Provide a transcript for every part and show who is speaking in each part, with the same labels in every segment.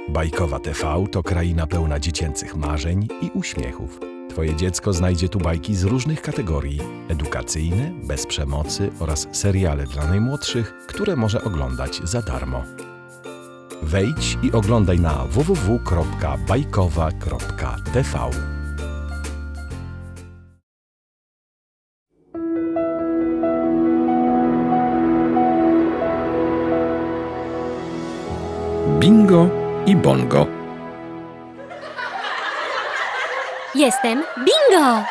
Speaker 1: Bajkowa TV to kraina pełna dziecięcych marzeń i uśmiechów. Twoje dziecko znajdzie tu bajki z różnych kategorii: edukacyjne, bez przemocy oraz seriale dla najmłodszych, które może oglądać za darmo. Wejdź i oglądaj na www.bajkowa.tv.
Speaker 2: Bingo i Bongo.
Speaker 3: Jestem Bingo!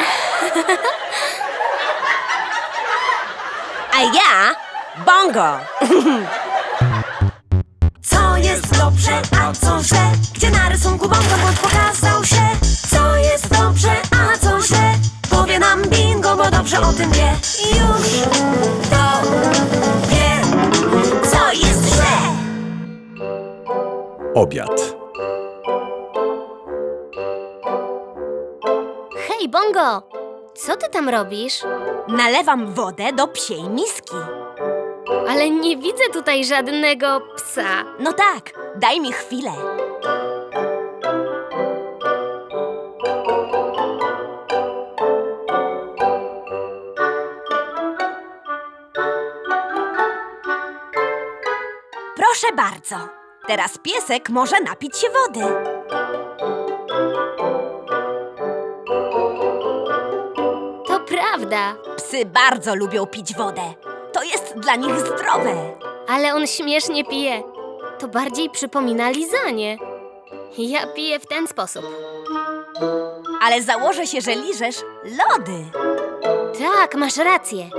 Speaker 4: A ja Bongo! Co jest dobrze, a co źle? Gdzie na rysunku Bongo błąd pokazał się? Co jest dobrze, a co źle? Powie nam Bingo, bo dobrze o tym wie. Już to wie, co jest źle.
Speaker 1: Obiad.
Speaker 3: Hej, Bongo! Co ty tam robisz?
Speaker 4: Nalewam wodę do psiej miski.
Speaker 3: Ale nie widzę tutaj żadnego psa.
Speaker 4: No tak, daj mi chwilę. Proszę bardzo. Teraz piesek może napić się wody.
Speaker 3: To prawda,
Speaker 4: Psy bardzo lubią pić wodę. To jest dla nich zdrowe.
Speaker 3: ale on śmiesznie pije. To bardziej przypomina lizanie. Ja piję w ten sposób.
Speaker 4: Ale założę się, że liżesz lody.
Speaker 3: Tak, masz rację.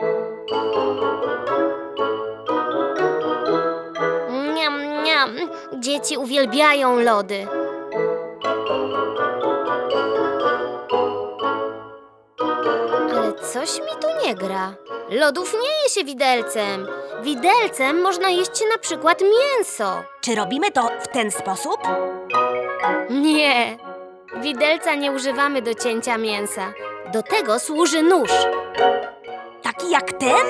Speaker 3: Niam, niam. Dzieci uwielbiają lody. Ale coś mi tu nie gra. Lodów nie je się widelcem. Widelcem można jeść na przykład mięso.
Speaker 4: Czy robimy to w ten sposób?
Speaker 3: Nie. Widelca nie używamy do cięcia mięsa. Do tego służy nóż.
Speaker 4: Taki jak ten?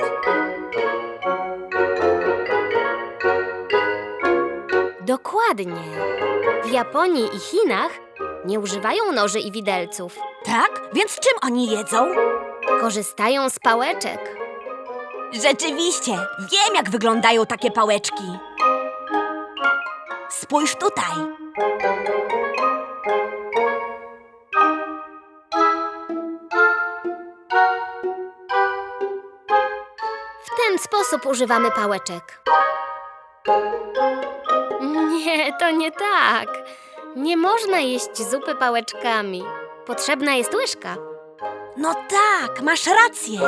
Speaker 3: Dokładnie. W Japonii i Chinach nie używają noży i widelców.
Speaker 4: Tak? Więc czym oni jedzą?
Speaker 3: Korzystają z pałeczek.
Speaker 4: Rzeczywiście, wiem jak wyglądają takie pałeczki. Spójrz tutaj.
Speaker 3: W ten sposób używamy pałeczek. Nie, to nie tak. Nie można jeść zupy pałeczkami. Potrzebna jest łyżka.
Speaker 4: No tak, masz rację.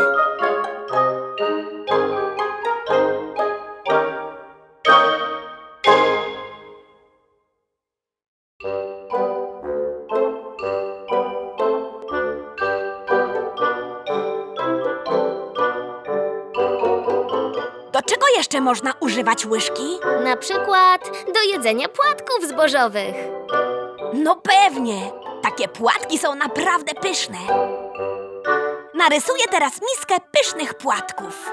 Speaker 4: Do czego jeszcze można używać łyżki?
Speaker 3: Na przykład do jedzenia płatków zbożowych.
Speaker 4: No pewnie. Takie płatki są naprawdę pyszne. Narysuję teraz miskę pysznych płatków.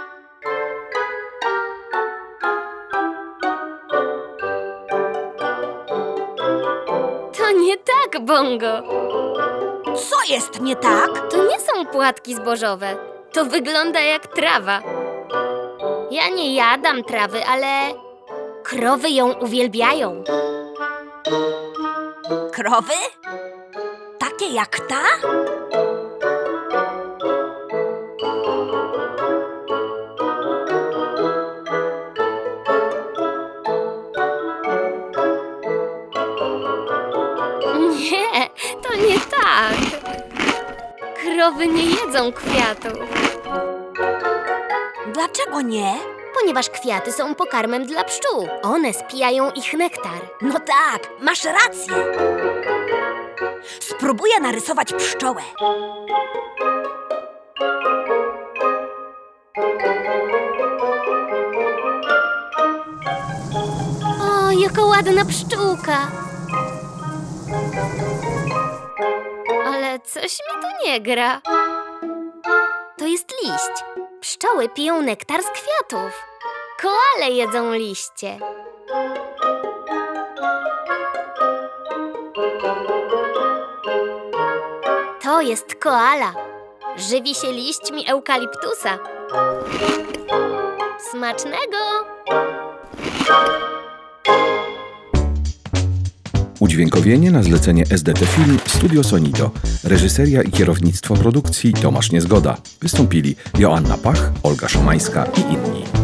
Speaker 3: To nie tak, Bongo.
Speaker 4: Co jest nie tak?
Speaker 3: To nie są płatki zbożowe. To wygląda jak trawa. Ja nie jadam trawy, ale krowy ją uwielbiają.
Speaker 4: Krowy? Takie jak ta?
Speaker 3: Nie, to nie tak. Krowy nie jedzą kwiatów,
Speaker 4: Dlaczego nie?
Speaker 3: ponieważ kwiaty są pokarmem dla pszczół. One spijają ich nektar.
Speaker 4: No tak, masz rację. Spróbuję narysować pszczołę.
Speaker 3: O, jaka ładna pszczółka. Ale coś mi tu nie gra. To jest liść. Pszczoły piją nektar z kwiatów. Koale jedzą liście. To jest koala. Żywi się liśćmi eukaliptusa. Smacznego!
Speaker 2: Udźwiękowienie na zlecenie SDT Film Studio Sonito. Reżyseria i kierownictwo produkcji Tomasz Niezgoda. Wystąpili Joanna Pach, Olga Szomańska i inni.